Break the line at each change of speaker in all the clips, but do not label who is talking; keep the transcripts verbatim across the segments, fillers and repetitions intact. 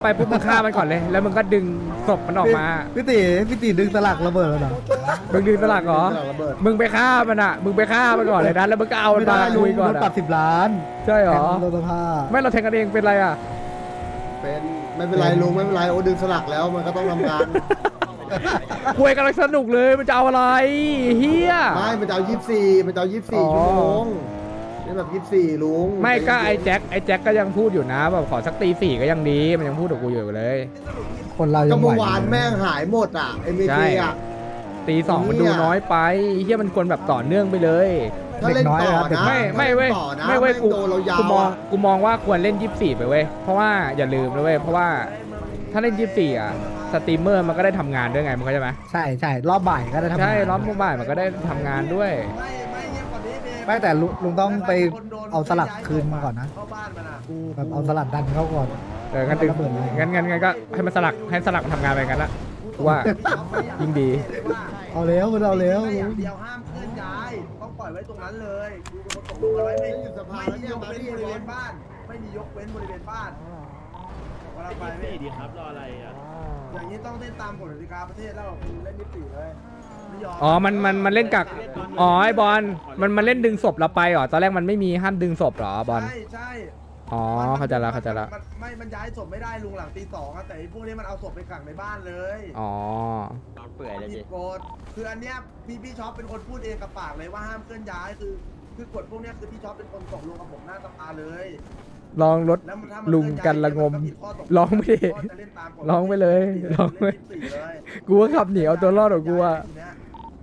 ไปปุ๊บมึงฆ่ามันก่อนเลยแล้วมึงก็ดึงศพมันออกมา
พี่ตีพี่ตีดึงสลักระเบิดแล้วเหรอ
มึงดึงสลักเหรอ
สลักระเบิด
มึงไปฆ่ามันอ่ะมึงไปฆ่ามันก่อนเลยนะแล้วมึงก็เอามัน
ไม่
มา
ได้ลุ
คุ
ง
ยก่อน
โดนปรั
อะ
บสิบล้าน
ใช่เหรอ
โดนสภา
ไม่เราแทงกันเองเป็นไรอ่ะ
เป็นไม่เป็นไรลุงไม่เป็นไรโอ้ดึงสลักแล้วมันก็ต้องทำงาน
คุยกันสนุกเลยมันจะเอาอะไรเฮีย
ไม่มันจะเอายี่สิบสี่มันจะเอายี่สิบสี่
อ๋อ
ชั่วโมงนี่แบบยี่สิบสี่ลุง
ไม่ก็ไอ้แจ็คไอ้แจ็คก็ยังพูดอยู่นะแบบขอสักตีสี่ก็ยังดีมันยังพูดกับกูอยู่เลย
คนเรา
ก็
ยังไหว
เมื่อวานแม่งหายหมดอ่ะเอ็ม
ใช่
เคอ่ะ
ตีสองมันดูน้อยไปเฮียมันควรแบบต่อเนื่องไปเลย
ถ้าเล่นต่อนะ
ไม่ไม่เว้ย
ต่อนะ
ไม่เว้ย
แง
กู
โดนเรายา
กู
ว
มอง
อะ
กูมองว่าควรเล่นยี่สิบสี่ไปเว้ยเพราะว่าอย่าลืมนะเว้ยเพราะว่าถ้าเล่นยี่สิบสี่อ่ะสตรีมเมอร์มันก็ได้ทำงานด้วยไงมึงเข้าใจไหม
ใช่ใช่รอบบ่ายก็ได้ทำงาน
ใช่รอบบ่ายมันก็ได้ทำงานด้วย
ไม่แต่ลุงลุงต้องไปเอาสลักคืนมาก่อนนะ
เข้าบ้านมันอ่ะ
แบบเอาสลักดันเข้าก่อน
เอองั้นดึง
ระเบิดเลย
งั้นงั้นงั้นก็ให้มันสลักให้สลักมันทำงานไปกันละกูว่ายิ่งดี
เอาแล้วมันเอาแล้ว
ไม่อ
ลุ
ย่าง งเดียวห้ามเคลื่อนย้ายต้องปล่อยไว้ตรงนั้นเลยดูเป็นคนตกลงกันไว้ไม่ไม่มียกเว้นบริเวณบ้าน ไม่มียกเว้นบริเวณบ้านเวลาไปไม่
ดีครับรออะไรอ่ะ
อย่างนี้ต้องเล่นตามกฎกติกาประเทศแล้วคือเล่นนิติเลยไม่ยอม
อ๋อมันมันมันเล่นกักอ๋อไอ้บอลมันมันเล่นดึงศพเราไปเหรอตอนแรกมันไม่มีห้ามดึงศพเหรอบอล
ใช่ใช่
อ๋อเข้าใจแล้วเข้าใจแล้ว
มันไม่มันย้ายศพไม่ได้ลุงหลังตีสองอะแต่ไอ้พวกนี้มันเอาศพไปขังในบ้านเลย
อ๋อ
เปื่อยเลย
ผิ
ดิ
ดกฎคืออันเนี้ยพี่พี่ช็อปเป็นคนพูดเองกับปากเลยว่าห้ามเคลื่อนย้ายคือ คือกฎพวกเนี้ยคือพี่ช็อปเป็นคนตกลงกับผมหน้าสภาเลย
ลองลด
แล้วมันถ้ามัน
ลุงกันละงม
ก็ผิดข้ตก
ลองไม่ดิ
ก็จะเล่นตามกฎ
ลองไปเลยลองไป
เล่นยี่สิบสี่เลย
กูว่าขับหนีเอาตัวรอดของกูอะ
ทีเนี้ย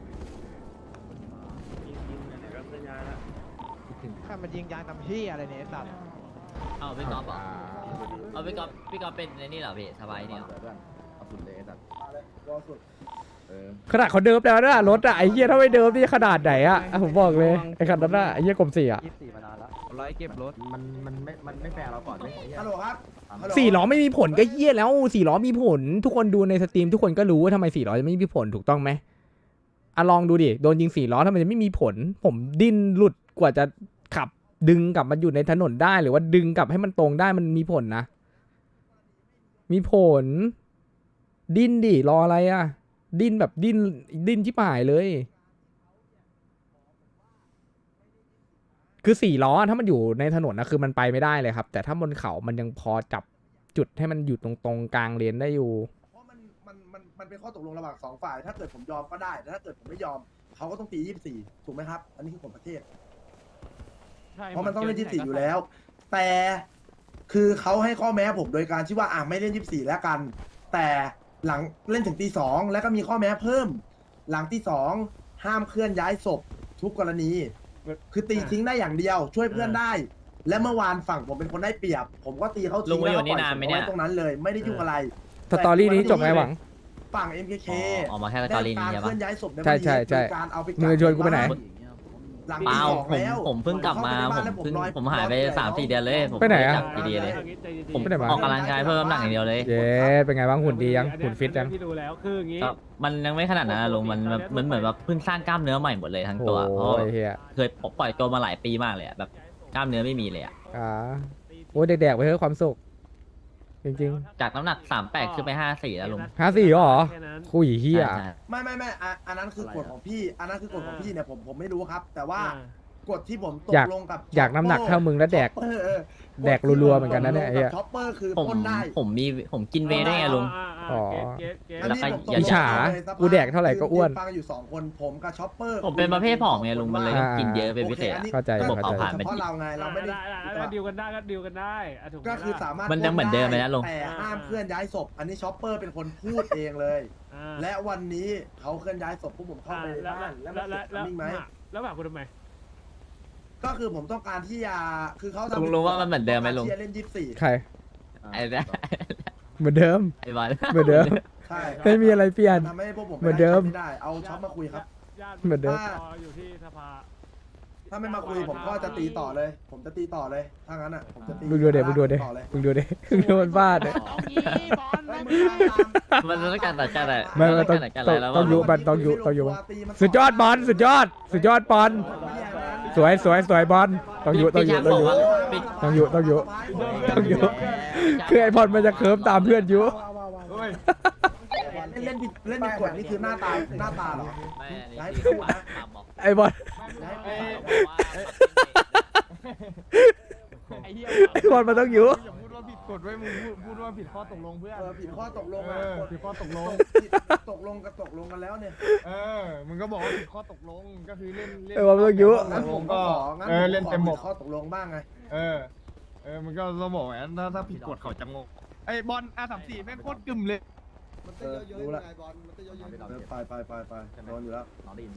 ข้ามันยิงยางทำที่อะไรเนี่ยไอ้สัตว์
เอาพี่ก๊อฟเหรอเอาพี่ก๊อฟพี่ก๊อฟเป็นในนี่เหรอพี่สบายเนี่ย
เอาสุดเลยไอ้สัตว์
มาเลยรอสุด
เออ
ขนาดเขาเดิมแล้วนะรถอะไอ้เหี้ยถ้าไม่เดิมนี่ขนาดไหนอะอ่ะผมบอกเลยไอ้คันนั้นอะไอ้เหี้ยกลมสี่อะ
ยี่สิบสี่มานานแล้วร้อยเก็บรถ
มันมันไม่มันไม่แฟร์เราก่อนเลย
ฮัลโหลครับฮัลโหล
สี่ล้อไม่มีผลก็เหี้ยแล้วสี่ล้อมีผล ทุกคนดูในสตรีมทุกคนก็รู้ว่าทำไมสี่ล้อจะไม่มีผลถูกต้องไหมอ่ะลองดูดิโดนยิงสี่ล้อทำไมจะไม่มีผล ผมดิ้นหลุดกว่าจะขับดึงกลับมาอยู่ในถนนได้หรือว่าดึงกลับให้มันตรงได้มันมีผลนะ มีผล ดิ้นดิรออะไรอะดิ้นแบบดิ้นดิ้นชิบหายเลย คือสี่ล้อถ้ามันอยู่ในถนนนะคือมันไปไม่ได้เลยครับ แต่ถ้าบนเขามันยังพอจับจุดให้มันอยู่ตรงตรงๆกลางเลนได้อยู่
เพราะมันมันมันมันเป็นข้อตกลงระหว่างสองฝ่าย ถ้าเกิดผมยอมก็ได้แต่ถ้าเกิดผมไม่ยอมเขาก็ต้องตียี่สิบสี่ถูกไหมครับ อันนี้คือกฎประเทศ เพราะมันต้องเล่นยี่สิบสี่อยู่แล้ว แต่คือเขาให้ข้อแม้ผมโดยการที่ว่าอ่ะไม่เล่นยี่สิบสี่แล้วกัน แต่หลังเล่นถึงตีสองแล้วก็มีข้อแม้เพิ่ม หลังตีสองห้ามเคลื่อนย้ายศพทุกกรณี คือตีทิ้งได้อย่างเดียว ช่วยเพื่อนได้ และเมื่อวานฝั่งผมเป็นคนได้เปรียบ ผมก็ตีเขา
ลุ
ทิ้
ง
ง
มา
แล้ว
อยู่
ก็ปล่อย
นี่นาน
ศพ
ไหม
เอา
เนี่ย
ไว้ตรงนั้นเลย ไม่ได้ยุ่งอะไร
สตอรี่นี้จบไงหวัง
ฝั่ง เอ็ม เค เค
อ๋อออกมาแค่สตอรี่นี้ใช่
ได้การเค
ปะ
ลื่อนย้ายศพใน
ใช่ใช่ใช่
วันนี้โดยการเอาไปกัก
มือชวนกูไปไหน
หลัง
เป
ตี
ล่า
สอง
ผม
แล้ว
ผมเพิ่งกลับมาผมเพิ่งผมหายไปสามสี่เดือนเลยผม
ไปไหนอะ
จับดีๆเลย ผม
ไปไหนมา
ออกกำลังกายเพิ่มน้ำหนักอย่างเดียวเลย
เย้เป็นไงบ้างหุ่นดียังหุ่นฟิตยัง
พี่ดูแล้วคืออย่างงี้
ก็มันยังไม่ขนาดนั้นนะลุงมันมันมันเหมือนแบบเพิ่งสร้างกล้ามเนื้อใหม่หมดเลยทั้ง
โอ้
ตัวเพราะ
ยเฮีย
เคยปล่อยตัวมาหลายปีมากเลยอะแบบกล้ามเนื้อไม่มีเลยอะ
อ่าโอ้ยแดกๆไปเถอะความสุขจริง
จากน้ำหนักสามแปดขึ้นไปห้าสี่แล้วลุง
ๆห้าสี่เหรอ
แค่นั้น
คุยเฮีย
ใช่ใช่
ไม่ไม่ไม่อ่ะอันนั้นคือกฎของพี่ อันนั้นคือกฎของพี่เนี่ยผมผมไม่รู้ครับ แต่ว่า
อ่า
กฎที่ผมต
อยาก
กลงกับ
อยากน้ำหนักเท่ามึงแล้วแดก
เออเออ
แดกรัวๆเหมือนกันนะเนี่ยไอ้เหี้ย
ช็อปเปอร์คือ
ผม
พ่นได้
ผมมีผมกินเวย์ได้ไงลุง
อ๋อ
เก็ตเก็ต
อัน
เก็ต
นี้
แล้วก็
ผมต
อย่า
อิจฉา
เลยสภพ
กูแดกเท่าไหร่ก็อ้วน
ฟังอยู่สองคนผมกับช็อปเปอร์
ผมเป็นประเภทผอมไงลุงมันเลยต้องกินเยอะเป็นพิเศษ
โอ
อะ
คอันนี้
เข้าใจ
ก็
เข้าใจ
เฉพาะเราไงเราไม่ได้
ได้ดิวกันได้ก็ดิวกันได้ะถูกไหม
ก็คือ
ล่ะ
สามารถ
มันยังเหมือนเดิมเลยนะลุง
แต่ห้ามเคลื่อนย้ายศพ อันนี้ช็อปเปอร์เป็นคนพูดเองเลย
อ่า
และวันนี้เขาเคลื่อนย้ายศพพวกผมเข้า
อ่า
ไปใน
แล้ว
บ้านแล้ว
แล้ว
มัน
แล้ว
เกิด
แล้ว
มิ่งไหม
แล้วแบบคุณทำไม
ก็คือผมต้องการที่จะคือเขาทำ
ลุงรู้ว่ามันเหมือนเดิมไหมลุง
ที่จะเล่นยี่สิบสี่
ใคร
ไอ้เนี่ย
เหมือนเดิม
ไอ้บอล
เหมือนเดิม
ใช่
ไม่มีอะไรเปลี่ยน
ทำให้พวกผม
เหมือนเดิม
ไม่ได้เอาช็อปมาคุยครับ
ญาติ
เหมือนเดิม
รออยู่ที่สภา
ถ้าไม่มาคุยผมก็จะตีต่อเลย ผมจะตีต่อเลยถ้างั้นอ่ะผมจะตี
มึงดูเด็มึงดูเด็
ต่อเลย
มึงดูเด็มึงดูมันบ้าเด็
เฮ้ยมึงตามตาม
มันต้องการตัดกันอะไร
ไม่ไม่ต้อง
การตัดกันอะไรแล้ว
ต้องยุ
ว่า
บันต้องยุต้องยุ
ตีมัน
สุดยอดบอลสุดยอด สุดยอดบอล
เหี้ยนะ
สวยสวยสวยบอลต้องอยู่ต้องอยู่ต้องอยู่
ปิด
ต้องอยู่ต้องอยู่ต้องอยู่คือไอบอลมันจะเคิร์ฟตามเพื่อนอยู่
เล่นเล่นผิดเล่นผิดกฎนี่คือหน้าตาหน้าตาเหรอ
ไม่อันนี้
ย้าย
ที่
พูดนะ
ตามบอก
ไอบอล
ย้ายไป
ไอ้เหี้ย
ไอบอลมันต้องอยู่
อย่าพูดว่าผิดกฎไว้มึงพูดพูดว่าผิดข้อตกลงเพื่อน
เออผิดข้อตกลง
เอ
อ่ะ
อผิดข้อตกลง
ผิดตกลงกับตกลงกันแล้วเนี่ย
เออมึงก็บอกว่าผิดข้อตกลงก็คือเล่นเล่น
ไอบอลมันต้องอยู่
งั้นผมก็ของั้น
เอ
ผม
อ
ก็
เล่น
ขอ
เต็มบ
ผิ
ก
ดข้อตกลงบ้างไง
เออเออมึงก็ต้องบอกว่าถ้าถ้าผิดกฎเขาจะงงไอ้บอลอาสามสี่แม่งโคตรกึ่มเลย
มันเต้นเยอะๆยังไงบอลมันเต้นเยอะๆ
เออไปไปไปไปโดนอยู่แล้ว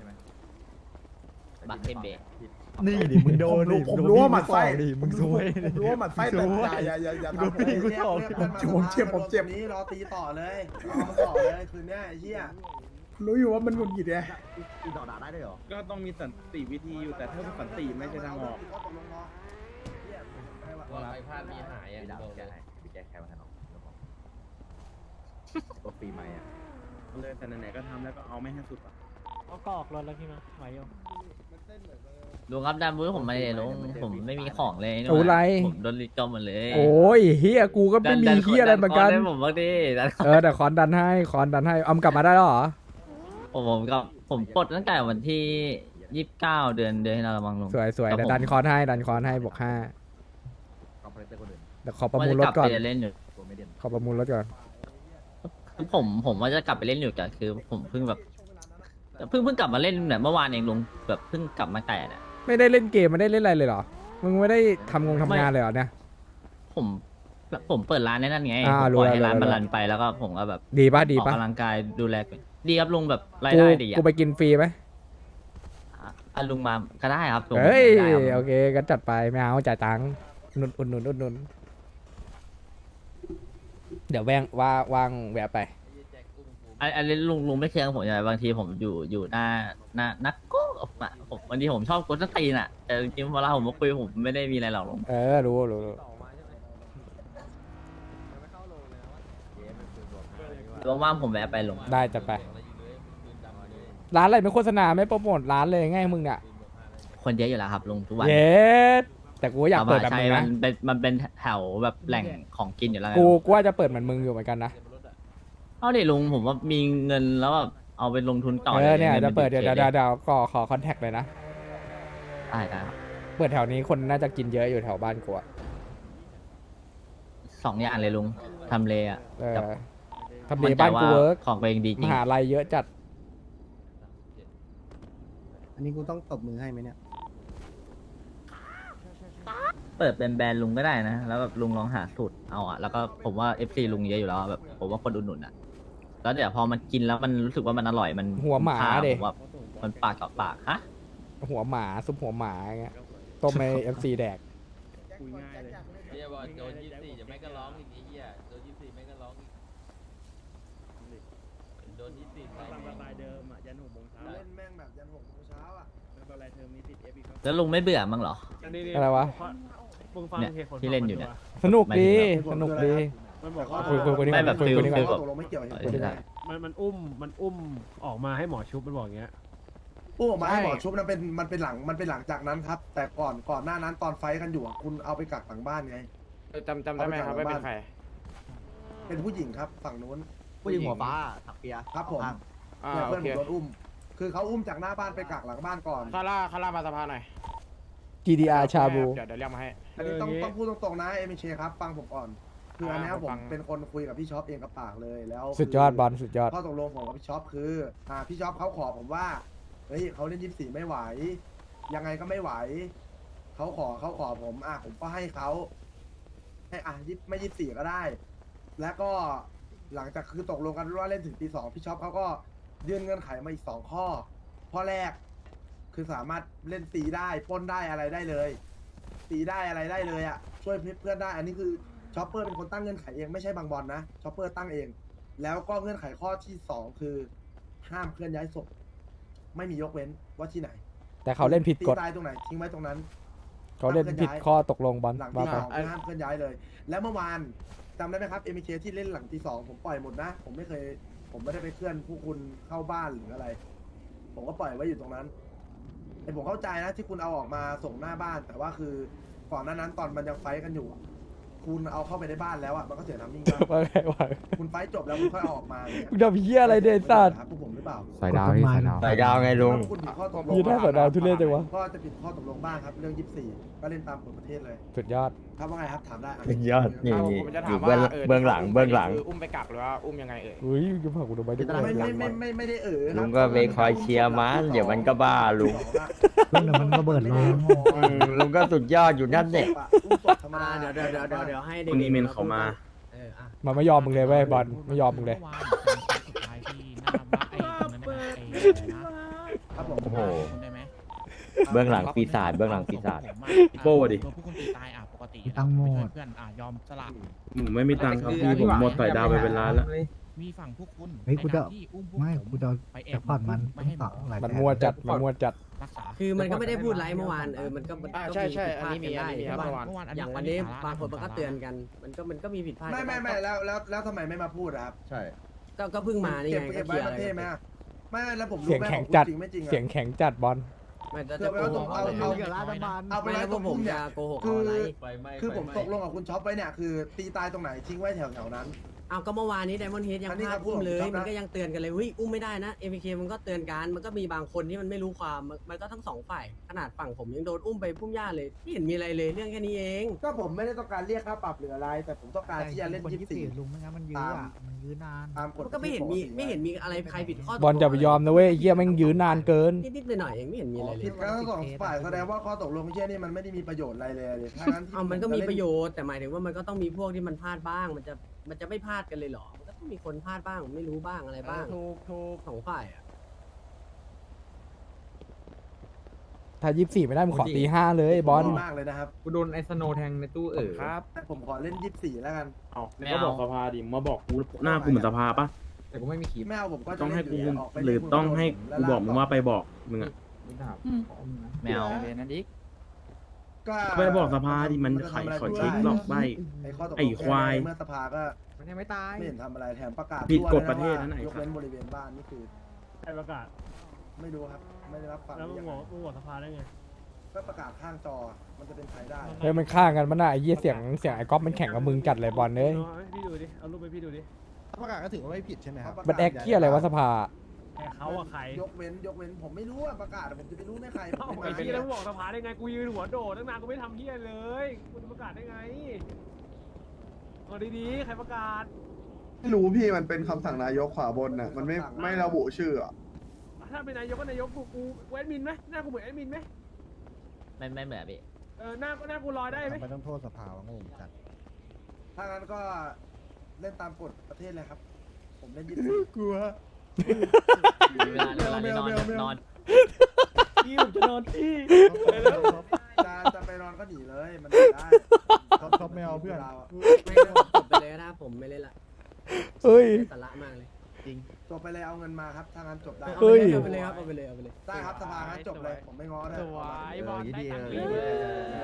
บักเทมเบะ
นี่ดิมึงโดนดิ
ผมรู้ว่าหมัดไส้
ดิมึงซวย
ผมรู้ว่าหมัดไส้แต่อย่าอย่าอย่าอย่าทำผม
เรียกเรียกเพื่อนา
ผมเจ็บผมเจ็บ
นี้รอตีต่อเลยรอมาต่อเลยคืนเนี้ยไอ้เหี้ย
รู้อยู่ว่ามันหงุดหงิดไง
ก็ต้องมีสันติวิธีอยู่แต่ถ้าสันติไม่ใช่ทางออก
ว่าใครพลาดมีหายอ่ะโดน
เลยแต่ไหนๆก็ทำแล้วก็เอาไม่ให้สุดอ่ะ
ก็ออกรถแล้วพี่มาไหวอยู่
ลุงครับดันมือผมมาเลยลุงผมไม่มีของเลยนี่
โอ้ไร
ผมโดนลิจอมหมดเลย
โอ้ยเฮียกูก็ไม่มีเฮียอะไรเหมือนกัน
ดัผมบ้างดิดัน
เออแต่คอนดันให้คอนดันให้เอามนกลับมาได้แล้วเหรอ
ผมผมก็ผมปลดตั้งแต่วันที่ยี่สิบเก้าเดือนเดือนที่เราละมังลุง
สวยสวย
ครับ
แต่
ผม
ดันคอนให้ดันคอนให้บวกห้าแต่ขอประมูลร
ว่า
ถ
จะก
ก่
ลั
อน
ไปเล่นอยู่
ขอประมูลรถก่อน
คือผมผมว่าจะกลับไปเล่นอยู่แต่คือ ผมเพิ่งแบบเพิ่งเพิ่งกลับมาเล่นแบบเมื่อวานเองลุงแบบเพิ่งกลับมาแต่เนี่ย
ไม่ได้เล่นเกมไม่ได้เล่นอะไรเลยเหรอมึงไม่ได้ทำงงทำงานเลยเหรอเนี่ย
ผมผมเปิดร้านในนั่นไง
อ่า
ผม
รู้
ปล่อย
แล้ว
ให้ร้าน
รู้
มัน
แล้ว
รันไปแล้วก็ผมก็แบบ
ดีป่ะดี
ออก
ป่ะ
กำลังกายดูแลตัวเองดีครับลุงแบบราย
กู
ได้ดีอ่ะ
กูไปกินฟรีไหม
อ่ะลุงมาก็ได้ครับลุง
เฮ้ย
ได้ครับ
โอเคก็จัดไปไม่เอาจ่ายตังค์อุดหนุนอุดหนุนอุดหนุนเดี๋ยวแวงว่าว่างแวะไป
อันอันนี้ลุงลุงไม่เชื่อผมใช่ไหมบางทีผมอยู่อยู่หน้าหน้านักโก้อะผมบางทีผมชอบกดต้นตีนอ่ะแต่จริงๆเวลาผมมาคุยผมไม่ได้มีอะไรหรอกลุง
เออรู้รู้รู้
ว่างๆผมแวะไปลุง
ได้จัดไป ร้านอะไรไม่โฆษณาไม่โปรโมทร้านเลยไงมึงเนี่ย
คนเยอะอยู่แล้วครับลุงทุกวัน
เย็ดแต่กูอยากเปิดแบบ
ใช่
มึง
มั
นะ
นเป็นมันเป็นแถวแบบแหล่งของกินอยู่แล้วไง
กูกูว่าจะเปิดเหมือนมึงอยู่เหมือนกันนะ
เอาดิลุงผมว่ามีเงินแล้วแบบเอาไปลงทุนต่อ
เออเนี่ย
งิ
จะเปิดเดี๋ยว
ป็
เดี๋ย
น
วเดี๋ยวก็ขอคอนแทคเลยนะ
ได้ได้ครับ
เปิดแถวนี้คนน่าจะกินเยอะอยู่แถวบ้านกูอะ
สองอย่างเลยลุงทำเลอ่ะ
เออ
กับ
ทำเลบ้านกูเวิร์ก
ของตัวเองดีจ
ม
ริง
หาลัยเยอะจัด
อันนี้กูต้องตบมือให้ไหมเนี่ย
เปิดเป็นแบรนด์ลุงก็ได้นะ แล้วแบบลุงลองหาสูตรเอาอะแล้วก็ผมว่า เอฟ ซี ลุงเยอะอยู่แล้วอะแบบผมว่าคนอุดหนุนอะแล้วเดี๋ยวพอมันกินแล้วมันรู้สึกว่ามันอร่อยมัน
หัวหมา
คุ้ค่
ดิ
ผมว่ามันปากต่อปากฮะ
หัวหมาซุปหัวหมาอย่างเงี้ยต้มในเอฟซีแดก
คุยง่ายเลย
เฮียบอกโดนยี่สี่จะไม่ก็ร้องอีกเฮียโดนยี่สี่ไม่ก็ร้องอีกโดนยี่สี่
ตามสไตล์เดิมอ่ะยันหกโมงเช้า
เล่นแม่งแบบยันหกโมงเช้าอ่ะ
ไม่เป็นไรเธอมีติดเอฟอีกครับ
แล้วลุงไม่เบื่อมั้งเหรอ
อันนี้นี่
อะไรวะ
มึงฟัง
เนี่ย
เหตุผล
ที่เล่นอยู่เนี่ย
สนุกดี
ไม่
สนุกดี
มันบอกว่า
คุยคุยคุยนี่
ไม่
ก่อน
แบบ
คุย
ฟิล
คุยนี่
ฟิ
ก่
ล
อน
ข้อตกลงไม่เกี่ยวเหตุผ
เอ
ล
อ
ยังไง
มันมันอุ้มมันอุ้มออกมาให้หมอชุบมันบอกอย่างเงี้ย
อู้ออกมาให้หมอชุบนั้นเป็นมันเป็นหลังมันเป็นหลังจากนั้นครับ แต่ก่อนก่อนหน้านั้นตอนไฟท์กันอยู่อะคุณเอาไปกักหลังบ้านไง
จำจำได้ไหมครับว่าเป็นใคร
เป็นผู้หญิงครับฝั่งนู้น
ผู้หญิงหัวฟ้าถักเปีย
ครับผม
อ่า
เนี่ย
โอ
เพื่อน
เค
ผมโดนอุ้ม คือเขาอุ้มจากหน้าบ้านไปกักหลังบ้านก่อน
คาร่าคาร่ามาสภาหน่อย
จี ดี อาร์ ชาบู
เดี๋ยวเดี๋ยวเรียกมาให้
อันนี้ต้อง
เอออย่างงี้
ต้องพูดตรงๆนะเอมิเชครับฟังผมก่อน คืออันเนี้ย
อ่า
ผม
ฟัง
เป็นคนคุยกับพี่ช็อปเองกับปากเลยแล้ว
สุดยอดบอลสุดยอด
ข้อตกลงผมกับพี่ช็อปคืออ่าพี่ช็อปเขาขอผมว่าเฮ้ยเขาเล่นยี่สิบสี่ไม่ไหว ยังไงก็ไม่ไหวเขาขอเขาขอผมอ่ะผมก็ให้เขาให้อ่ะยี่ไม่ยี่สิบสี่ก็ได้ แล้วก็หลังจากคือตกลงกันว่าเล่นถึงตีสองพี่ช็อปเขาก็ยื่นเงื่อนไขมาอีกสองข้อข้อแรก คือสามารถเล่นตีได้ปล้นได้อะไรได้เลย ตีได้อะไรได้เลยอ่ะช่วยเพื่อนได้ อันนี้คือช็อปเปอร์เป็นคนตั้งเงื่อนไขเองไม่ใช่บางบอลนะช็อปเปอร์ตั้งเอง แล้วก็เงื่อนไขข้อที่สองคือ ห้ามเคลื่อนย้ายศพไม่มียกเว้นว่าที่ไหน
แต่เขาเล่นผิดกฎ
ตีตายตรงไหนทิ้งไว้ตรงนั้น
เขาเล่นผิดข้อตกลงบอล
หลัง
ว่า
ที่
ไป
สองคือห้ามเคลื่อนย้ายเลย แล้วเมื่อวานจำได้ไหมครับเอ็มเคที่เล่นหลังที่สองผมปล่อยหมดนะ ผมไม่เคย ผมไม่ได้ไปเคลื่อนผู้คุณเข้าบ้านหรืออะไร ผมก็ปล่อยไว้อยู่ตรงนั้นไอผมเข้าใจนะที่คุณเอาออกมาส่งหน้าบ้าน แต่ว่าคือก่อนหน้านั้นตอนมันยังไฟท์กันอยู่อะคุณเอาเข้าไปในบ้านแล้วอ่ะมันก็เสียน้ำนิ่งแล้ว
ว่าไงวะ
คุณไฟท์จบแล้วคุณค่อยเอาออกมาเนี่ย
มึงทำเหี้ยอะไรเนี่ยไอ้สัตว์
ครับพวกผมหรือเปล่า
สายดาวพี่สายดาว
สายดาวไงลุง
ถ้าคุณผิดข้อตกลง
ยืนได้สายดาวทุเรศจังวะ
ก็จะผิดข้อตกลงบ้างครับเรื่องยี่สิบสี่ก็เล่นตามกฎประเทศเลย
สุดยอด
ครับว่าไงครับถามได้ะ
สุดยอดนี่
เอา
นี่
ผมจะ
อ
ถาม
ยู่
ว่า
เบื้องเบื้องหลังเบื้องหลัง
คืออุ้มไปกักหรือว่าอุ้มยังไงเอ่ย
อุ้ยจะพากูดูไปดิ
ไม่ไม่ไม่ไม่ไม่ได้เออครับ
ลุงก็ไปคอยเชียร์มันเดี๋ยวมันก็บ้าลุง
เดี๋ยวมันระเบิดลง
อืมลุงก็สุดยอดอยู่นั่นเนี่ย
อุ้มศพธรรมดา
เดี๋ยวเดี๋ยวเดี๋ยวเดี๋ยวเดี๋ยวให้เด็ก
คุณอีเมนเขามา
เอออ่ะ
มันไม่ยอมมึงเลยเว้ยบอลไม่ยอมมึงเลย
สุดท้ายที่หน้าบ้านไอ้ตรงนั้นน่ะไอ้อะไรนะครับ
ผม
โอ้โห
คุณได้ไหม
เบื้องหลังปีศาจเบื้องหลังปีศาจ
ผมอะ
โบ้ดิ
ตัวผู้คุณตีตายอ่ะปกติ
ตั้งโหมด
เพื่อนอ่ะยอมสละ
ผมไม่มีตังค์ครับพี่ผมหมดสายดาวไปเป็นล้านแล้ว
มีฝั่งพวกคุณ
เฮ้ยกูจะ
ในการที่อุ้มพวก
ไม่
ผม
กูจะ
ไปแอ
จะ
บ
ผ่อนมัน
ไม่ให้
สองหลาย
มัน
แสน
มัวจัดมันมัวจัด
รักษา
คือมันก็ไม่ได้พูดไรเมื่อวานเออมันก็มัน
อ่า
ก็
ใช่ใช่
ผิดพลาด
อันนี้มี
กัได้
อันนี้มี
ใช่ปะ
เมื่อวานเมื่อวานอันนี้
อย่างวันนี้
อันนี้สาระ
บางคนมันก็
สาระ
เตือนกัน มันก็มันก็มีผิดพลาด
ไม่ไม่ไม่แล้วแล้วแล้วทำไมไม่มาพูดอะครับ
ใช่
ก็ก็เพิ่งมานี่
เก็บ
ไง
เก็บ
ก็
ไว้
เคลียร์
ประเทศไหมอะไม่แล้วผมรู้
เสียง
ไหม
แข็ง
ผมพู
จัด
จริงไม่จริงอะ
เสียงแข็งจัดบอล
ไม่จะ
เพื่อไปว่าตรงเอาเอา
กับรัฐบาล
เอาไป
ไม่
ไว้
แล้ว
ต
พ
ร
ว
ง
กผ
พุ่
ม
มเนี่ย
จะโกหก
คื
เอา
อ
อะไร
คือผมตกลงกับคุณช็อปไปเนี่ยคือตีตายตรงไหนทิ้งไว้แถวแถวๆนั้น
เอาก็เมื่อวานนี้ไดมอนด์เฮดยัง
อันนี้
พลาด
ครับ
อุ้มเลย
ผมชอบนะ
มันก็ยังเตือนกันเลยเฮ้ยอุ้มไม่ได้นะเอ็มเคมันก็เตือนกันมันก็มีบางคนที่มันไม่รู้ความมันมันก็ทั้งสองฝ่ายขนาดฝั่งผมยังโดนอุ้มไปพุ่มหญ้าเลยไม่เห็นมีอะไรเลยเรื่องแค่นี้เอง
ก็ผมไม่ได้ต้องการเรียกค่าปรับหรืออะไร แต่ผมต้องการที่จะเล่น
คน
ยี่สิบสี่
ลุงไม่งั้นมันยื้ออ่ะมันยื้อนาน
ตามกฎ
มันก็ไม่เห็นมีไม่เห็นมีอะไรใครผิดข้อตกลง
บอลจะไปยอมนะเว้ยไอ้เหี้ยแม่งยื้อนานเกิน
นิดๆหน่อยๆเองไม่เห็นมีอะไรเล
ผิ
ย
ดกันทั้งสองฝ่ายแสดงว่าข้อตกลงเช่นนี้มันไม่ได้มีประโยชน์อะไรเลยเลยถ้างั้นที่
เอามันก็มี
จเล่
ประโยชน์แต่หมายถึงว่ามันก็ต้องมีพวกที่มันพลาดบ้าง มันจะมันจะไม่พลาดกันเลยเหรอมันก็ต้องมีคนพลาดบ้างไม่รู้บ้างอะไรบ้าง
ถูกถูก
สองฝ่ายอ่ะ
ถ้ายี่สิบสี่ไม่ได้มึงขอตีห้าเลยบอล
ผมมากเลยนะครับ
กูโดนไอสโนแทงในตู้เออ
ครับ
ผมขอเล่นยี่สิบสี่แล้วกัน
เอาก็บอกสภาดิมาบอกกูหน้ากูเหมือนสภาปะ
แต่กูไม่มีคลิป
ไม่เอาผมก็จะ
ต้องให้กู
เล่นยู่
หรือต้องให้กูบอกมึงว่าไปบอกมึงอะ
แมว
นั่นอีก
ก็
ไปบอกสภาดิมันไขขอเช็คหรอกใบ
ไอ้ข้อตกลง
ไอ้ควาย
เมื่อสภาก็
มันยังไม่ตาย
ไม่เห็นทำอะไรแถมประกาศ
ผิดกฎ
ทั่ว
ประเทศ
ลย
นั่นไหน
ว่ายกเว้นบริเวณบ้านนี่คือ
ใครประกาศ
ไม่รู้ครับ ไม่ได้รับฟัง
แล้วมึง
ยัง
บ
ไง
อกมึงบอกสภาได้ไง
ก็ประกาศข้างจอ มันจะเป็นใครได้
เฮ้ยมันข้างกันมันน่ะไอ้เหี้ยเสียงเสียงไอ้ก๊อฟมันแข่งกับมึงจัดเลยบอลเอ้ย
เอาให้พี่ดูดิ เอารูปไปพี่ดูดิ
ประกาศก็ถือว่าไม่ผิดใช่ไหมครับ
มันแอคเหี้ยอะไรวะสภา
ไอ้เขาอะใคร
ยกเว้นยกเว้นผมไม่รู้อะประกาศผมจะไปรู้ได้ใคร
เอ้า
ผม
ไอ้
ไม่
เหี้ย
มา
แล้วมึงบอกสภาได้ไง กูยืนหัวโดดตั้งนานกูไม่ทำเหี้ยเลยกูจะประกาศได้ไงเอาดีๆ ใครประกาศ
ไม่รู้พี่มันเป็นคำสั่งนายกขวาบนน่ะมันไม่ไม่ระบุชื่ออ่ะ
ถ้าเป็นนายกก็นายกกูกูแอดมินไหมหน้ากูเหมือนแอดมินไหม
ไม่ไม่เหมือนพี่
เออหน้าหน้ากูลอยได้ไหม
ไม่ต้องโทษสภาวะงงจัด
ถ้างั้นก็เล่นตามกฎประเทศเลยครับ ผมเล่นยี่สิบสี่
กลัว
เวลาเวลาได้นอน
แมวแมวแมว
นอน
พี่ผมจะนอนที่
จะจะไปนอนก็หนีเลย มันหนีได้
ท็อปท็อปแมวเพื่อน
ไม่ก็จบไปเลยนะผมไม่เล่นละ
เฮ้ย
ไร้สาระมากเลย
จบไปเลยเอาเงินมาครับ ถ้างั้นจบได้
เอา
เฮ้ย
ไปเลยเอาไปเลยเอาไปเลย
ได้ครับสภางั้นจบเลย ผมไม่ง้อได้
สวยบอลได้ตังค์
เอ
เล
อย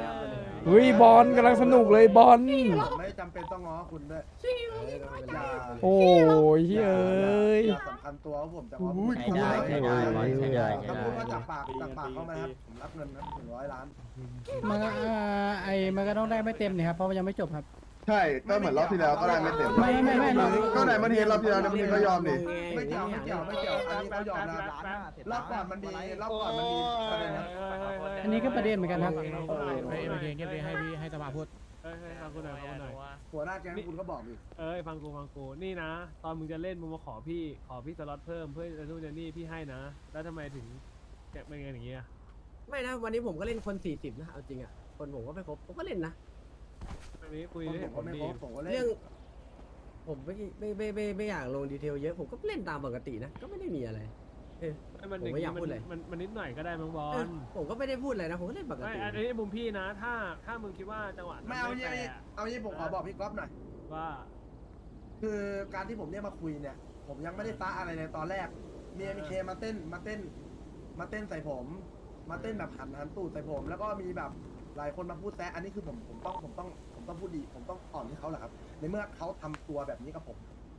เฮ้ยบอลกำลังสนุกเลยบอล
ผมไม่จำเป็นต้องง้อคุณด้วยอย่า
โอ้ยเฮ้ย
อย่าสำคัญตัวว่าผมจะง้อ
อุ้ย
คุณ
ใช่ได้ใช่ได้บอลใช่ได้ใช่
ถ้า
ได้
พูดว่าจากปากจากปากเข้ามาครับ ผมรับเงินนะถึงร้อยล้าน
มันก็ไอ้มันก็ต้องได้ไม่เต็มเนี่ยครับเพราะมันยังไม่จบครับ
ใช่ก็เหมือนรอบที่แล้วก็ได้ไม่เต็ม
ไม่ไม่ไม่ไม่
ก็ไหนมันเห็นรอบที่แล้วมันเห็นก็ยอมดิ
ไม่เกี่ยวไม่เกี่ยวไม่เกี่ยวอันนี้เขายอมนะรอบก่อนมันมีรอบก่อนมันมีประเด็นนะ
อันนี้ก็ประเด็นเหมือนกันครับ
เฮ้ยโอเคเงียบเลยให้พี่ให้สภาพูด
เฮ้ยเฮ้ยฟังกูหน่อยฟังกูหน่อย
หัวหน้าแก๊งคุณก็บอกดิ
เอ้ยฟังกูฟังกูนี่นะ ตอนมึงจะเล่นมึงมาขอพี่ขอพี่สล็อตเพิ่มเพื่อจะนู่นจะนี่พี่ให้นะ แล้วทำไมถึงแกะเป็นไงอย่างเงี้ย
ไม่นะวันนี้ผมก็เล่นคนสี่สิบนะเอาจริงอ่ะคนผมก็ไม่ครบผมก็เล่นนะ
อันนี้คุย
ผม
ได้
ก็ไม่
ดี
ครบผมก็เล่น
เรื่อง ผมไม่ไม่ไม่ไม่ไม่อยากลงดีเทลเยอะผมก็เล่นตามปกตินะก็ไม่ได้มีอะไรเออ
มัน
ผมไม่อยากพูดเลย
มันมันนิดหน่อยก็ได้มั้งบอ
เออ
ล
ผมก็ไม่ได้พูดอะไรนะผมก็เล่นปก
ไม่
ติ
อันนี้มุมพี่นะ ถ้าถ้ามึงคิดว่าจังหวะนั้น
ไม่เอา
แฟ
เยี่
ร์
เอายี่ผมขอบอกพี่ก๊อฟหน่อย
ว่า
คือการที่ผมเรียกมาคุยเนี่ย ผมยังไม่ได้ตะอะไรเลยตอนแรกมีเอ็มเคมาเต้นมาเต้น มาเต้นใส่ผม มาเต้นแบบหันหันตูดใส่ผม แล้วก็มีแบบหลายคนมาพูดแซะอันนี้คือผมผมต้องผมต้องผมต้องพูดดี ผมต้องอ่อนให้เขาแหละครับ ในเมื่อเขาทำตัวแบบนี้กับผม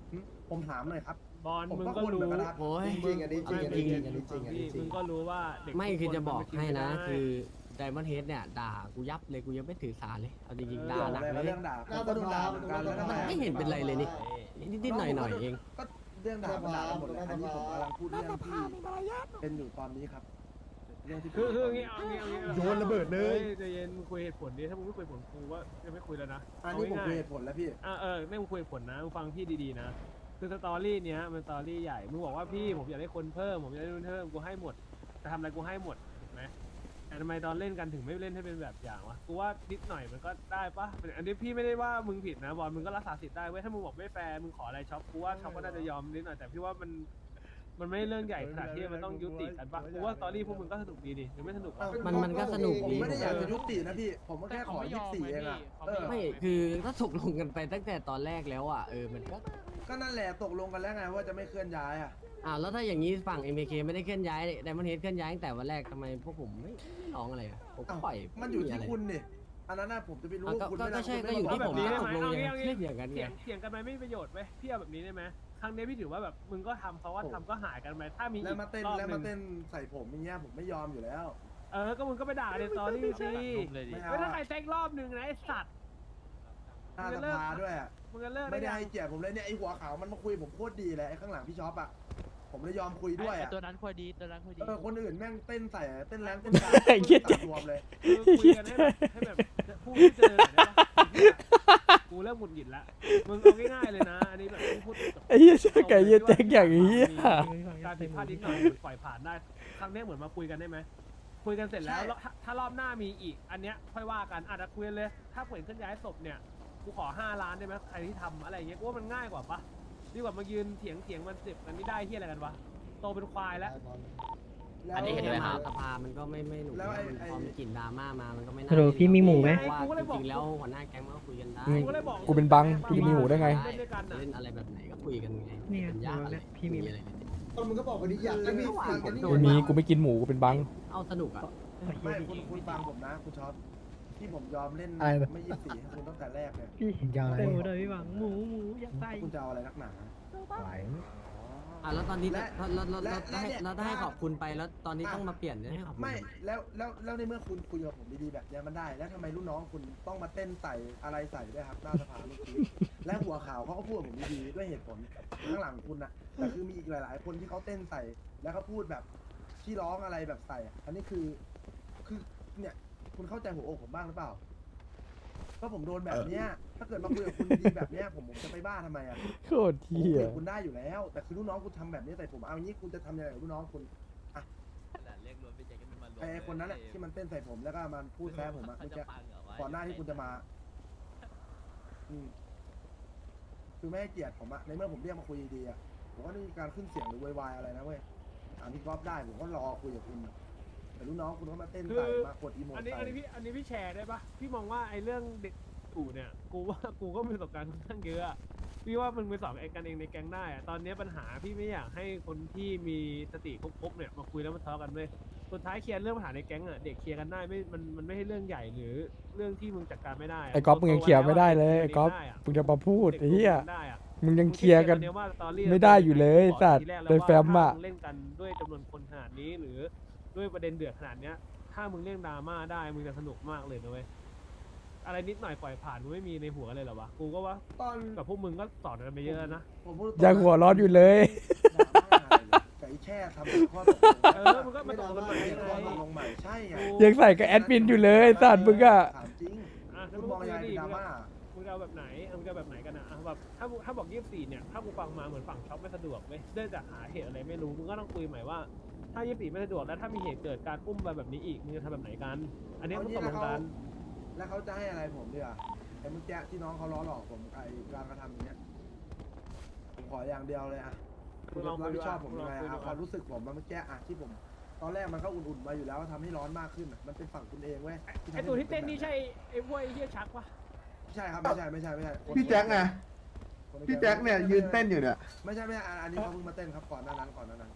หึผมถามหน่อยครับ
บอล
ผม
มึง
ก็
ก็
คนเหมื
รู้
อนกันนะครับ
โอ้ย
จริงๆอันนี้จริงอันนี้จริงอันนี้จริงอันนี้จริ
มึ
ง
งก็รู้ว่าเด็ก
ไม่
ทุก
คือจะ
น
บอก
มัน
ให้นะ
ไม่ได้
คือไดมอนด์เฮดเนี่ยด่ากูยับเลยกูยังไม่ถือสาเลยเอาจริงๆด่าหนัก
อะไร
เล
ก็
ย
เรื่องด่าผมก็โดนด่าเหมือนกันแล้วทำไม
มัน
อะ
ไม่เห็นเป็นไรเลยนี่นิดๆหน่อยๆเอง
ก็เรื่องด่ามันด่ากันหมดเลยอันนี้ผมกำลังพูดเรื่องที่เป็นอยู่ตอนนี้ครับเรื่องที่
คือคืออย่างงี้เอาอย่างงี้เอาอย่างงี้
โยนระเบิดเลย
ฮ้ใจเย็นมึงคุยเหตุผลดิถ้ามึงไม่คุยเหตุผลกูว่าจะไม่คุยแล้วนะ
อันนี้ผม
า
คุย
ง่ายๆ
เหตุผลแล้วพี่
อ่ะเออไม่มึงคุยเหตุผลนะมึงฟังพี่ดีๆนะคือสตอรี่เนี้ยมันสตอรี่ใหญ่มึงบอกว่าพี่ผมอยากได้คนเพิ่มผมอยากได้นู่นเพิ่มกูให้หมดจะทำอะไรกูให้หมดถูกไหมแต่ทำไมตอนเล่นกันถึงไม่เล่นให้เป็นแบบอย่างวะกูว่านิดหน่อยมันก็ได้ปะอันนี้พี่ไม่ได้ว่ามึงผิดนะบอลมึงก็รักษาสิทธิ์ได้เว้ยถ้ามึงบอกไม่แฟร์มึงขออะไรช็อปกูว่าช็อปก็น่าจะยอมนิดหน่อยแต่พี่ว่ามันมันไม่เรื่องใหญ่ขนาดที่มันต้องยุติกันปะกูว่าสตอรี่พวกมึงก็สนุกดีดิหรือไม่สนุกวะ
มันมันก็สนุก
ผม
ดี
ไม่ได้อยากจะยุตินะพี่ ผมก็แค่ขอยี่สิบสี่เองอะเออ
ไม่คือถ้าตกลงกันไปตั้งแต่ตอนแรกแล้วอ่ะเออมันก็
ก็นั่นแหละตกลงกันแล้วไงว่าจะไม่เคลื่อนย้ายอะ
อ่าแล้วถ้าอย่างนี้ฝั่ง เอ็ม เค ไม่ได้เคลื่อนย้ายไดมอนด์เฮดเคลื่อนย้ายตั้งแต่วันแรกทำไมพวกผมไม่ไม่ร้องอะไรอะผมก็
อ้าว
ปล่อย
มันอยู่ที่
ไะไร
คุณนี่อันนั้นน่ะผมจะไปรู้
อ่ะก็
คุณ
ก็
ไม่ได้
ก็ใช่
คุณ
ก็อยู่ที่
ไ
ผม
เอา
ว่า
แบบนี้
ตกลง
ได้
ยัง
ไหม
ไงเคลื่อนอย่างนั้น
เถี
ไง
ยงเถียงกันไปไม่มีประโยชน์เว้ยพี่เอาแบบนี้ได้ไหมครั้งนี้พี่ถือว่าแบบมึงก็ทำเขาว่าทำก็หายกันไหมถ้ามี
แล้ว
อีก
มาเต้น
รอบ
แล้ว
ห
มา
นึ่ง
เต้นใส่ผมอย่างเงี้ยผมไม่ยอมอยู่แล้ว
เออก็มึงก็ไปด่าในสตอรี่สิ
ไม่เอา
ไม่ถ้าใครแซกรอบหนึ่งนะไอสัตว์
หน้าสภาด้วยอะ
มึงจะเลิก
ไม่ได้
ยัง
ให้เกียรติผมเลยเนี่ยไอหัวขาวมันมาคุยผมโคตรดีเลยไอข้างหลังพี่ช็อปอะผมเลยยอมคุยด้วยอะ
ตัวนั้นคุยดีตัวนั้นคุยดี
เออคนอื่นแม่งเต้นใส่เต้นแรงเต้นกลาง
ไอ้เหี้ย
ตัดรวมเลย
คือคุยกันให้แบบให้แบบพูดที่เจอหน่อยได้ปะกูเริ่มหงุดหงิดละมึงเอาง่ายๆเลยนะอันนี้แบบพูดแบบ
ไอ้เหี้ยช่างไก่เหี้ยแจ๊กอย่างเหี้ย
การผิดพลาดนิดหน่อยปล่อยผ่านได้ครั้งนี้เหมือนมาคุยกันได้ไหมคุยกันเสร็จแล้วแล้วถ้าถ้ารอบหน้ามีอีก อันเนี้ยค่อยว่ากันอาจจะคุยกันเลย ถ้าเปิดเคลื่อนย้ายศพเนี่ยกูขอห้าล้านได้ไหมใครที่ทำอะไรอย่างเงี้ยกูว่ามันง่ายกว่าปะดีกว่ามายืนเถียงเถียงมันสิบมันไม่ได้เฮียอะไรกันวะโตเป็นควายแล้ว
อันนี้เห็นด้วยครับ
สภามันก็ไม่ไม่หนุก
แล้วไอ้
มัน
ไอ้
พอมีกลิ่นดราม่ามามันก็ไม่น่า
ฮัลโหลพี่มีหมูไหม
เพราะว่าจริงๆแล้วหัวหน้าแก๊งมันก็คุยกันได้
อืม
กูเลยบอก
กูเป็นบังกูจะมีหูได้ไง
เล่นด้วยกันน่ะ
เล่นอะไรแบบไหนก็คุยกันไง
เนี่ย
เป็นญาติอะไร
พี่มี
อะไรเลย
คนมึงก็บอกกันดิอยากจะมีฟังกันนี่
ไม่มีกูไม่กินหมูกูเป็นบัง
เอาสนุกอ่ะ
ไม่คุณคุณฟังผมนะคุณช็อปที่ผมยอมเล่น
อะไรแบบ
ไม่ยี่สิบสี่ให้คุณตั้งแต่แรกเนี่ย
พี่
ยาวอะไร
หมูเลยพี่หวังหมูหมูอยากใส่
คุณจะเอาอะไรนักหนา
ไหว
อ่ะแล้วตอนนี้
และ
แล้วแล้วแล้ว
และ
แล้วให้
และ
แล้วถ้าให้
และ
ขอบคุณไปแล้วตอนนี้ต้องมาเปลี่ยนให้ขอบคุณ
ไม่แล้วแล้วแล้วในเมื่อคุณคุยกับผมดีๆแบบเนี้ยมันได้ แล้วทำไมรุ่นน้องคุณต้องมาเต้นใส่อะไรใส่ด้วยครับหน้าสภาเมื่อกี้และหัวขาวเขาก็พูดกับผมดีๆด้วยเหตุผลข้างหลังคุณนะแต่คือมีอีกหลาย ๆ คนที่เขาเต้นใส่ แล้วเขาพูดแบบที่ร้องอะไรแบบใส่อะอันนี้คือคือเนี่ยคุณเข้าใจหัวอกผมบ้างหรือเปล่าก็ผมโดนแบบเนี้ยถ้าเกิดมาคุยกับคุณดีๆแบบเนี้ยผมผมจะไปบ้าทำไมอ่ะ
โคตร
ผม
เหี้ย
คุยกับคุณได้อยู่แล้ว แต่คือลูกน้องคุณทำแบบนี้ใส่ผมเอางี้คุณจะทำยังไงกับลูกน้องคุณอ่ะไอ้คนนั้นแหละที่มันเต้นใส่ผมแล้วก็มันพูดแซะผมอะเมื่อกี้ก่อนหน้าที่คุณจะมาอืมคือไม่ให้เกียรติผมอะในเมื่อผมเรียกมาคุยดีๆอะผมก็ไม่มีการขึ้นเสียงหรือวายอะไรนะเว้ยถามพี่ก๊อฟได้ผมก็รอคุยกับคุณแต่ลูกน้องคุณก็มาเต้นใส่มากดอีโม
อัน
ใส่
นี้อันนี้พี่อันนี้พี่แชร์ได้ปะพี่มองว่าไอ้เรื่องเด็กกูเนี่ยกูว่ากูก็มีประสบการณ์ค่อนข้างเยอะอะพี่ว่ามึงไปสอนไอ้กันเองในแก๊งได้อะตอนนี้ปัญหาพี่ไม่อยากให้คนที่มีสติครบๆเนี่ยมาคุยแล้วมาทะเลาะกันเลยสุดท้ายเคลียร์เรื่องปัญหาในแก๊งอะเด็กเคลียร์กันได้ไม่มันมันไม่ใช่เรื่องใหญ่หรือเรื่องที่มึงจัดการไม่ได้ะ
ไอ้ก๊อฟมึงยังเคลียร์ไม่ได้เลยไอ้ก๊อฟ
ได้ะ
มึงจะมาพูดไอ้เหี้ย
ได้อะ
มึงยังเคลียร์กัน
มึงคิดว่าสตอรี่
ไม่ได้อยู่เลยสัตว์
ทีแรก
โดยแฟมอะ
ถ้ามึงเล่นกันด้วยจำนวนคนขนาดนี้หรือด้วยประเด็นเดือดขนาดเนี้ย ถ้ามึงเล่นดราม่าได้มึงจะสนุกมากเลยนะเว้ยอะไรนิดหน่อยปล่อยผ่านมึงไม่มีในหัวเลยเหรอวะกูก็ว่า
ตอน
กับพวกมึงก็สอนกันไปเยอะนะ
ผมพูดตรงๆ
ยังหัวร้อนอยู่เลย
ไก่แช่ทำข้อตกลง
เออมึงก็มาตกลงกันใหม่
ไม่
ยัง
ข้อ
ไง
ตกลงใหม่ใช่ไง
ยังใส่กับแอดมินอยู่เลยสัตว์มึงอะ
ถามจริง
อ่ะ
คุณมองยังไงเป็นดราม่า
มึงจะเอาแบบไหนเอามึงจะเอาแบบไหนกันนะอ่ะแบบถ้ามึงถ้าบอกยี่สิบสี่เนี่ยถ้ากูฟังมาเหมือนฝั่งช็อปไม่สะดวกเว้ยเนื่องจากหาเหตุอะไรไม่รู้มึงก็ต้องคุยใหม่ว่าถ้ายี่สิบสี่ไม่สะดวกแล้วถ้ามีเหตุเกิดการอุ้มไปแบบนี้อีกมึงจะทำแบบไหนกัน อันนี้มึงตกลงกัน
แล้วเขาจะให้อะไรผมดีอ่ะไอ้เมื่อกี้ที่น้องเขาล้อหลอกผมไอ้การกระทำอย่างเงี้ยผมขออย่างเดียวเลยอ่ะคุณรับผิดชอบผมยังไงอ่ะความรู้สึกผมมันเมื่อกี้อ่ะที่ผม ตอนแรกมันก็อุ่นๆมาอยู่แล้วทำให้ร้อนมากขึ้นอ่ะมันเป็นฝั่งคุณเองเว้ย
ไอตัวที่เต้นนี่ใช่ไอ้พวกไอ้เหี้ยชักปะ
ไม่ใช่ครับไม่ใช่ไม่ใช่ไม่ใช่
พี่แจ็คไงพี่แจ็คเนี่ยยืนเต้นอยู่เนี่ย
ไม่ใช่ไม่ใช่อันนี้เขาเพิ่งมาเต้นครับก่อนหน้านั้นก่อนหน้านั้น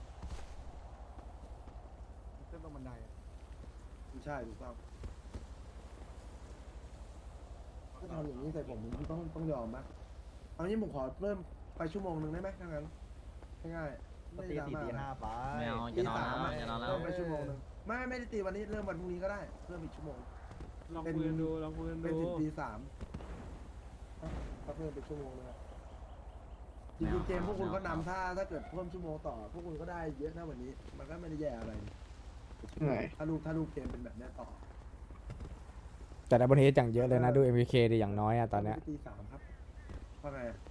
เต้นตรงบันได
ไม่ใช่ถูกต้องถ้าทำอย่างนี้ใส่ผมผมต้องต้องยอมนะเอางี้ผมขอเริ่มไปชั่วโมงหนึ่งได้ไหมถ้างั้นง่ายๆไม่
ตี
ดรา
สี่
ม่า
ตีห้าไป
ไม่เอา
ตี
จะนอน
สาม
แล้ว
อะ
จะนอนแล้ว
เพิ่มไปชั่วโมงหนึงไม่ไม่ได้ตีวันนี้เริ่มวันพรุ่งนี้ก็ได้เพิ่มอีกชั่วโมง
ลองคุยกันดูลองคุยกัน
เป็น
ดู
ถึงตีสามก็เพิ่มเป็นชั่วโมงนึงอะจริงๆเกมพวกคุณก็นำถ้าถ้าเกิดเพิ่มชั่วโมงต่อ พวกคุณก็ได้เยอะนะวันนี้ มันก็ไม่ได้แย่อะไรถ้าลูกถ้าลูกเกมเป็นแบบนี้ต่อ
แต่ในบนเฮดอย่างเยอะเลยนะดู เอ็ม พี เค ดิอย่างน้อยอะตอนเนี้ย
ตีสามครับว่าไงอะ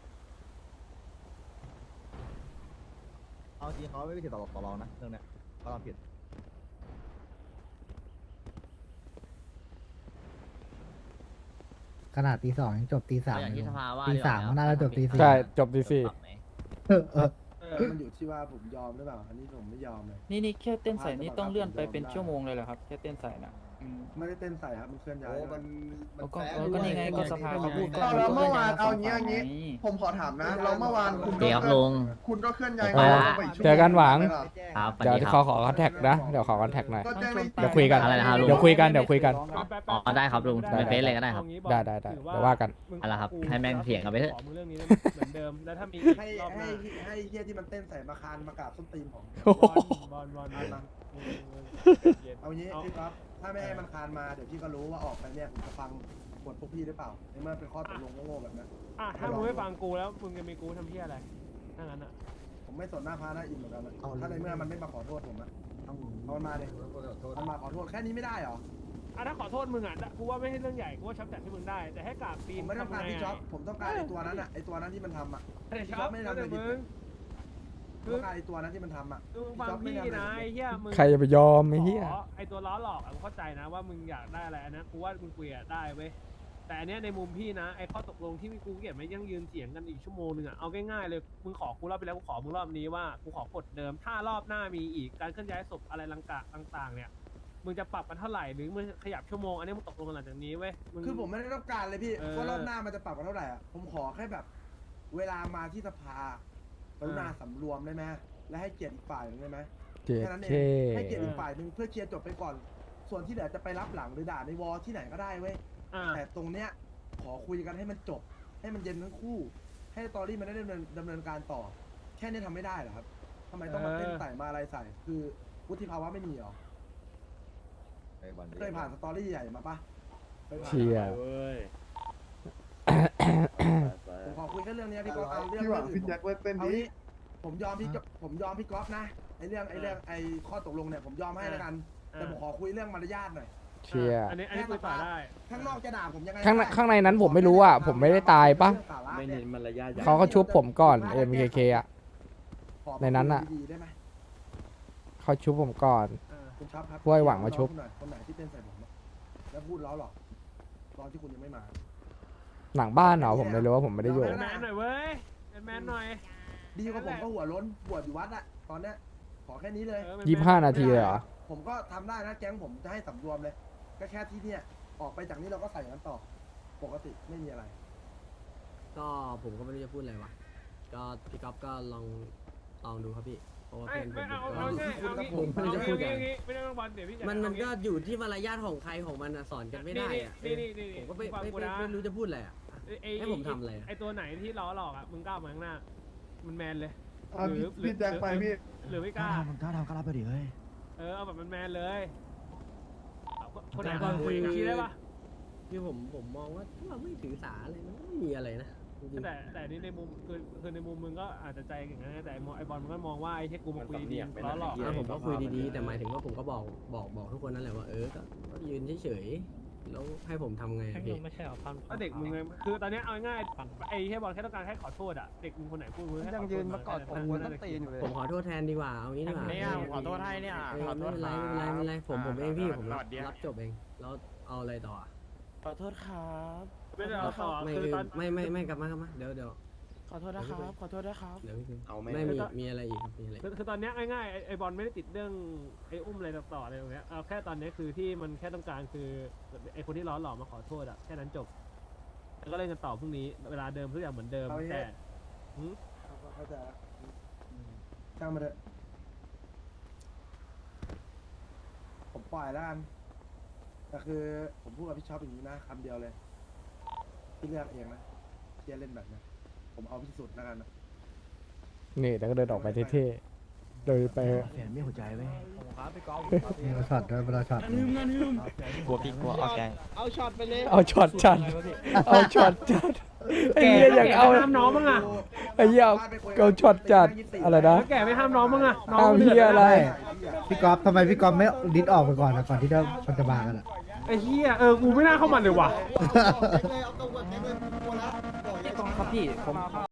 เอาจริงเขาไม่ได้ผิดต่อต่อรองนะเรื่องเนี้ยเขาทำผิดขนาดตีสองยังจบตีสาม
เอาอย่างที่สภาว่า
ตี
ดีกว่
สามมันน่าจะจบตีสี่
ใช่จบดีสี่
ปรับไหม
เออเออ
เออมันอยู่ที่ว่าผมยอมหรือเปล่า อันนี้ผมไม่ยอมเลย
นี่นี่แค่เต้นใส่นี่ต้องเลื่อนไปเป็นชั่วโมงเลยเหรอครับ แค่เต้นใส่นะอืม
ไม่ได้เต้นใส่ครับ มันเคลื่อนย้าย
โอ้มันมัน
ก็
แฝง
เออก็นี่ไงก็สภาเขาพูดก็
เอาแล้วเมื่อวาน
ก็
เอา
ลื่
อย่างงี้
ส
เอาอย่างงี้
ฝั่
ผมขอถามนะเราเมื่อวานคุณ
เดี๋ยวครับลุง
คุณก็เคลื่อนย้าย
ไปละ
ไปอีชั่วโม
เจอกันหวัง
ไม่เหรอ
ครับสวัส
เดี๋ยว
ดีค
ขอ
รับ
ขอคอนแทคนะ เดี๋ยวขอคอนแทคหน่อย
ก็แจ้งใน
เดี๋ยวคุยกัน
อะไรนะครับลุง
เดี๋ยวคุยกันเดี๋ยวคุยกัน
อ๋อได้ครับลุง
ได้
เป็นเฟซเลยก็ได้ครับ
ได้ได้ได้เดี๋ยวว่ากัน
เอาละครับให้แม่งเถียงกันไปเถอะ
ขอมึงเรื่องนี้ได้ไหมเหมือนเดิมแล้วถ้ามีอีก
ให้
รอบห
ให้
น้า
ให้เฮียที่มันเต้นใส่มาคานมากราบส้นตีนผม
โอ้โห
บอลบอลบอลบอลมึง
เอางี้พี่ก๊อฟถ้าไม่ให้มันคานมาเดี๋ยวพี่ก็รู้ว่าออกไปเนี่ยผมจะฟังบทพวกพี่หรือเปล่าในเมื่อเป็นข้อตกลงโง่ๆแบบนั้น
อ่ะถ้ามึงไม่ฟังกูแล้วมึงจะมีกูทำเพี้ยอะไรถ้างั้นอ่ะ
ผมไม่สนหน้าพาหน้าอินเหมือนกันนะถ้าในเมื่อมันไม่มาขอโทษผมอะเอามันมาเลยมันมาขอโทษแค่นี้ไม่ได้เหรอ
อ่ะถ้าขอโทษมึงอ่ะกูว่าไม่ใช่เรื่องใหญ่กูว่าช็อปแต่ที่มึงได้ แต่ให้กราบตี
ผม
น
ไม่ต้องการพี่
ทำไง
จ๊อบผมต้องการไอ้ตัวนั้นอะไอ้ตัวนั้นที่มันทำอะ
แต่
พี่
ช็
จ๊
อ
อ
ป
บไม่ได้
แล้ว
ทำอะไร
แต่
ผิด
มึง
ผมต้องการไอ้ตัวนั้นที่มันทำอะ
มึงฟังพี่นะไอ้เหี้ยมึง
ใครจะไปยอมไอ้เหี้ย
ขอไอ้ตัวล้อหลอกอะกูเข้าใจนะว่ามึงอยากได้อะไรอันนั้นกูว่ามึงคุยอะได้เว้ยแต่อันเนี้ยในมุมพี่นะไอ้ข้อตกลงที่กูเก็บไม่ยังยืนเถียงกันอีกชั่วโมงนึงอะเอาง่ายๆเลยมึงขอกูรอบไปแล้วกูขอมึงรอบนี้ว่ากูขอกฎเดิมถ้ารอบหน้ามีอีกการเคลื่อนย้ายศพอะไรต่างๆเนี่ยมึงจะปรับกันเท่าไหร่หรือมึงขยับชั่วโมงอันนี้มึงตกลงกันหลังจากนี้เว้ยง
คือผมไม่ได้ต้องการเลยพี่
เออ
ว่ารอบหน้ามันจะปรับกันเท่าไหร่อะผมขอแค่แบบ เวลามาที่สภากรุณาสำรวมได้ไหมและให้เกียรติอีกฝ่ายหนึ่งได้ไหม
เจ็ด
แค่นั้นเอ
เค
งให้เกียรติอีกฝ่ายหนึ่งเพื่อเคลียร์จบไปก่อน ส่วนที่เหลือจะไปรับหลังหรือด่าในวอลที่ไหนก็ได้เว้ย
อ่า
แต่ตรงเนี้ยขอคุยกันให้มันจบ ให้มันเย็นทั้งคู่ ให้ตอรี่มันได้ดำเนินดำเนินการต่อ แค่นี้ทำไม่ได้เหรอครับทำไมต้องมาเต้นใส่มาอะไรใส่ คือวุฒิภาวะไม่มีเหรอเคยผ่านสตอรี่ใหญ่มาปะคยผ่าน
เชียร์
ผมขอคุยแค่เรื่องเนี้ยพี่ก๊อฟเอาเรื่อง
พี่หวัง
อื่
พี่
น
แจ็คเล่นเต้น
เอา
ดี
งี้ผมยอมพี่ก๊อฟผมยอมพี่ก๊อฟนะไอเรื่องไอเรื่องไอข้อตกลงเนี่ยผมยอมให้แล้วกัน แต่ผมขอคุยเรื่องมารยาทหน่อย
เชียร์
อันนี้อันนี้คุยต่อได้
ข้างนอกจะด่าผมยังไง
ข้างใน
ก็ได้
ข้างในนั้นผมไม่รู้อ่ะผมไม่ได้ตายปะ
ไม่เน้นมารยาท
เขาก็ชุบผมก่อน เอ็ม เค เค อ่ะ
ขอ
ในนั้นน่ะ
ดีๆได้ไหม
เขาชุบผมก่อน
อ่า
คุณช็อปครับ
พวกไอ้หวังมาชุบ
น้องคนไหนที่เต้นใส่ผมอะแล้วพูดล้อหรอกตอนที่คุณยังไม่มา
หลังบ้านเหรอผมไม่รู้ว่าผมไม่ได้อยู่
แมนหน่อยเว้ยแมนหน่อย
ดีกว่าผมก็หัวล้นบวชอยู่วัดอะตอนเนี้ยขอแค่นี้เลย
เออ
ยี่สิบห้านาทีเลยเหรอ
ผมก็ทำได้นะแก๊งผมจะให้สำรวมเลย ก็แค่ที่เนี่ยออกไปจากนี้เราก็ใส่กันต่อ ปกติไม่มีอะไร
ก็ผมก็ไม่รู้จะพูดอะไรวะก็พี่ก๊อฟก็ลองลองดูครับพี่เพราะว่า
ไม่
เพื่อนผม
ไม่เอา
ก็
เอาง่ายเอางี้
ผมไม่รู้จะพูดอะไร
เอางี้ไม่ต้องบอลเดี๋ยวพี่จะ
มันมันก็
เอางี้
อยู่ที่มารยาทของใครของมันอะสอนกันไม่ได้อะ
นี่นี่นี่
ผมก็ไม่
ฟัง
ไม่
กู
ไม่
นะ
ไม่รู้จะพูดอะไรอะ
ไอ้
ให้ผมทำอะไรอะ
ไอ้ตัวไหนที่ล้อหลอกอ่ะมึงกล้ามาข้างหน้า มันแมนเลย
เอาพี่พี่แจ็คไปพี่
หรือไม่กล้า
ผมถ้าทำก็รับไปดิเฮ้ย
เออเอาแบบมันแมนเลยเอาคนไหนก่อนคุยชี้ได้ปะ
คือผมผมมองว่าถ้าเราไม่ถือสาอะไรมันก็ไม่มีอะไรนะจริงๆ
แต่แต่นี่ในมุมคือคือในมุมมึงก็อาจจะใจอย่างนั้นนะแต่ไอ้บอลมันก็มองว่าไอ้ที่กูมาคุยดีล้อหลอก
อ่ะผมก็คุยดีๆแต่หมายถึงว่าผมก็บอกบอกบอกทุกคนนั่นแหละว่าเออก็ก็ยืนเฉยๆแล้วให้ผมทำไงอะพี่
ไม่ใช่เอาพัน
ก็เด็กมึงไงคือตอนเนี้ยเอาง่ายๆไอ้แค่บอลแค่ต้องการแค่ขอโทษอ่ะเด็กมึงคนไหนพูดมึงแค่ขอโทษ
ยังยืนมากอดผมหัวต้นตีนอยู่เลย
ผมขอโทษแทนดีกว่าเอางี้ดีกว่า
เนี่ยผมขอโทษให้เนี่ย
เออ
ขอโท
ไม่
ษ
เป็นไรไม่เป็นไรไม่เป็นไรผมผมเองพี่ผมรับ
สวัสดีครับ
รับจบเองแล้วเอาอะไรต่ออะ
ขอโทษครับ
ไม่ได้เอาต่อ
ไม่
คือ
คือ
ตอน
ไม่ไม่ไม่กลับมากลับมาเดี๋ยวเดี๋ยว
ขอโทษนะครับ ขอโทษนะครับ
เดี๋ยวพี่
เอาไหม
ไม่มีมีอะไรอีกครับมีอะไรอีก
คือคือตอนเนี้ยง่ายๆไอ้ไอ้บอลไม่ได้ติดเรื่องไอ้อุ้มอะไรต่อๆอะไรตรงเนี้ยเอาแค่ตอนเนี้ยคือที่มันแค่ต้องการคือไอ้คนที่ล้อหลอกมาขอโทษอ่ะแค่นั้นจบแล้วก็เล่นกันต่อพรุ่งนี้เวลาเดิมทุกอย่างเหมือนเดิม
เอาอย่างงี้
แต่หืม
เข้าใจแล้วช่างมาเถอะผมปล่อยแล้วกันแต่คือผมพูดกับพี่ช็อปอย่างนี้นะคำเดียวเลยพี่เลือกเองนะที่จะเล่นแบบนี้ผมเอาที่สุดแล้วกันนะ
นี่แล้วก็เดินออกไปเท่ๆเดินไป
เวลาช็อตด้วยเวลาช็อต
กลัวพี่กลัวเอาแกง
เอาช็อตไปเลย
เอาช็อตจัดเอาช็อตจัดไอ้เหี้ยอยากเอา
ห้ามน้องมั้งอ่ะ
ไอ้เหี้ยเอาช็อตจัดอะไรนะ
แก่ไม่ห้ามน้องมั้งอ่ะน้อง
ห้ามเหี้ยอะไร
พี่ก๊อฟทำไมพี่ก๊อฟไม่ดิสออกไปก่อนนะก่อนที่จะมันจะมากันอ่ะ
ไอ้เหี้ยเออกูไม่น่าเข้ามาเลยว่ะ
เอาตัวก่อนแก๊งเลยกลัวแล้วบอกอย่า
ครับพี่ผม